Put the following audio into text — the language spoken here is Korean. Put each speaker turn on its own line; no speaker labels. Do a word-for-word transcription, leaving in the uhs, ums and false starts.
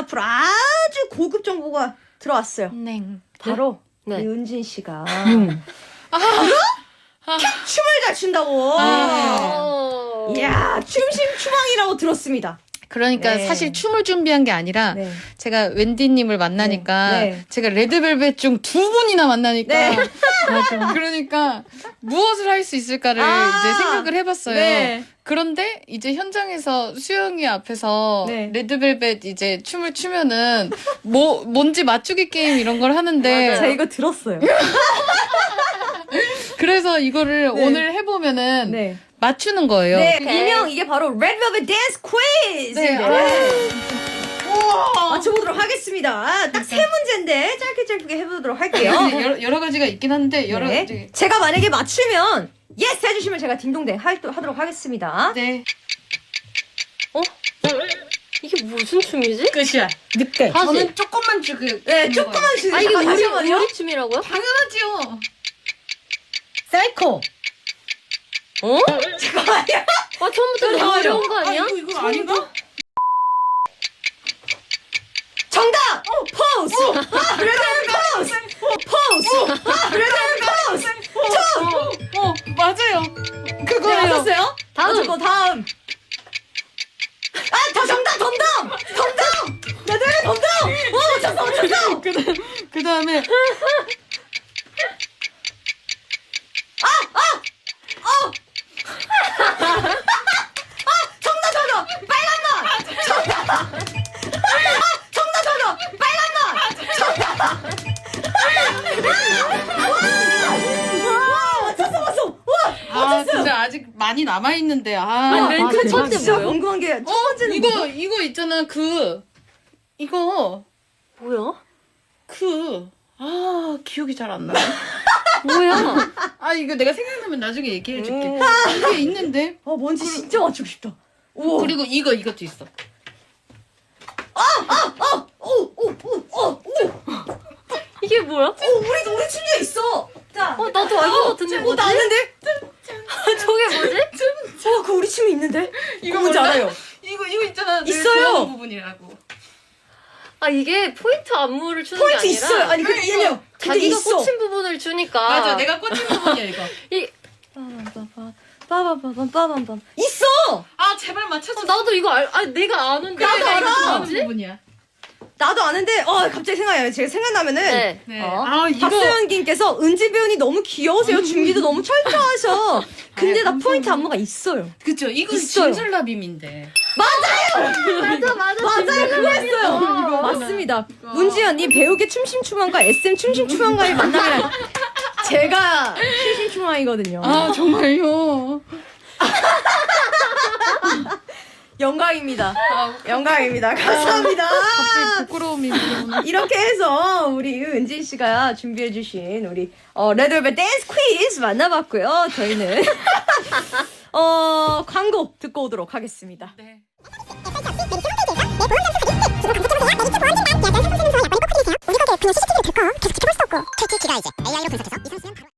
앞으로 아주 고급 정보가 들어왔어요.
네.
바로
네.
우리 은진 씨가
음.
춤을 잘 춘다고.
어.
이야, 춤심추망이라고 들었습니다.
그러니까
네.
사실 춤을 준비한 게 아니라
네.
제가 웬디님을 만나니까
네. 네.
제가 레드벨벳 중 두 분이나 만나니까
네.
맞아. 그러니까 무엇을 할 수 있을까를
아.
이제 생각을 해봤어요.
네.
그런데 이제 현장에서 수영이 앞에서
네.
레드벨벳 이제 춤을 추면은 뭐 뭔지 맞추기 게임 이런 걸 하는데
제가 이거 들었어요.
그래서 이거를
네.
오늘 해보면은
네.
맞추는 거예요.
네,
오케이.
일명 이게 바로 Red Velvet Dance Quiz!
네.
네. 맞춰보도록 하겠습니다. 딱 세 문제인데 짧게 짧게 해보도록 할게요.
근데 여러, 여러 가지가 있긴 한데 여러
네.
가지.
제가 만약에 맞추면 예스 해주시면 제가 딩동댕 할, 하도록 하겠습니다.
네.
이게 무슨 춤이지?
끝이야.
늑대.
다시.
저는 조금만 주고.
네, 조금만 주세요.
아 이게
잠깐,
우리
잠시만요.
우리 춤이라고요?
당연하지요.
사이코.
어?
잠깐만요.
아 처음부터 너무
잠깐만요.
어려운 거 아니야?
아, 이거 이거 아닌가?
정답! 어, 포즈! 아, 레드 포즈! 포즈! 아, 레드 포즈! 춤!
어 맞아요.
네,
그거예요.
맞았어요?
다음.
맞았고, 다음. 아, 더 정답! 덤덤! 덤덤! 레드 덤덤! 어, 맞췄어, 맞췄어!
그다음 그 다음에
정답, 정답! 빨간 맛! 정답! 아, 정답, 정답! 빨간 맛! 정답! 와! 맞췄어, 맞췄어! 와!
아
맞췄어요!
진짜 아직 많이 남아 있는데 아.
아니, 맨
맞아,
첫 번째
진짜
뭐예요?
궁금한 게 첫
어
번째는
이거
뭐죠?
이거 있잖아 그 이거
뭐야?
그 아 기억이 잘 안 나.
뭐야?
아 이거 내가 생각나면 나중에 얘기해 줄게.
음.
이게 있는데
어, 뭔지 진짜 맞추고 싶다. 오.
그리고 이거 이것도 있어.
오, 오, 오, 오, 오.
이게 뭐야?
어, 우리 우리 춤도 있어. 자,
어 나도 알 것 같은데
어,
뭐지?
나 아는데?
저게 뭐지?
어, 그 우리 춤이 있는데?
이거
뭔지
몰라?
알아요?
이거 이거 있잖아. 늘
있어요.
좋아하는 부분이라고.
아 이게 포인트 안무를 추는
포인트
게 아니라
있어요. 아니, 그
이거
얘네요. 근데
자기가
있어.
꽂힌 부분을 주니까
맞아 내가 꽂힌 부분이야 이거.
이
빠바바밤 있어.
아 제발 맞춰줘.
어, 나도 이거 알, 아 내가 아는데
나도
내가 이거
알아.
좋아하는
뭐지?
부분이야.
나도 아는데, 어, 갑자기 생각나요. 제가 생각나면은.
네.
네.
어,
아 이거
박소연님께서 은지 배우님 너무 귀여우세요. 준비도 너무 철저하셔. 근데
아유,
나 포인트
감사합니다.
안무가 있어요.
그쵸 이거
있어요.
진술라빔인데.
맞아 맞아
맞아요, 그거 했어요. 맞습니다. 문지연님 배우계 춤심추망과 에스엠 춤심추망과의 만남이란 제가 춤심추망이거든요.
아 정말요.
영광입니다. 영광입니다. 감사합니다.
갑자기 부끄러움이 밀려오네.
이렇게 해서 우리 은진 씨가 준비해주신 우리 어, 레드벨벳 댄스 퀴즈 만나봤고요. 저희는 어, 광고 듣고 오도록 하겠습니다.
네.
우리 가게 그냥 씨씨티비를 들고 계속 지켜볼 수 없고 케이티가 이제 에이아이로 분석해서 이 선수는 바로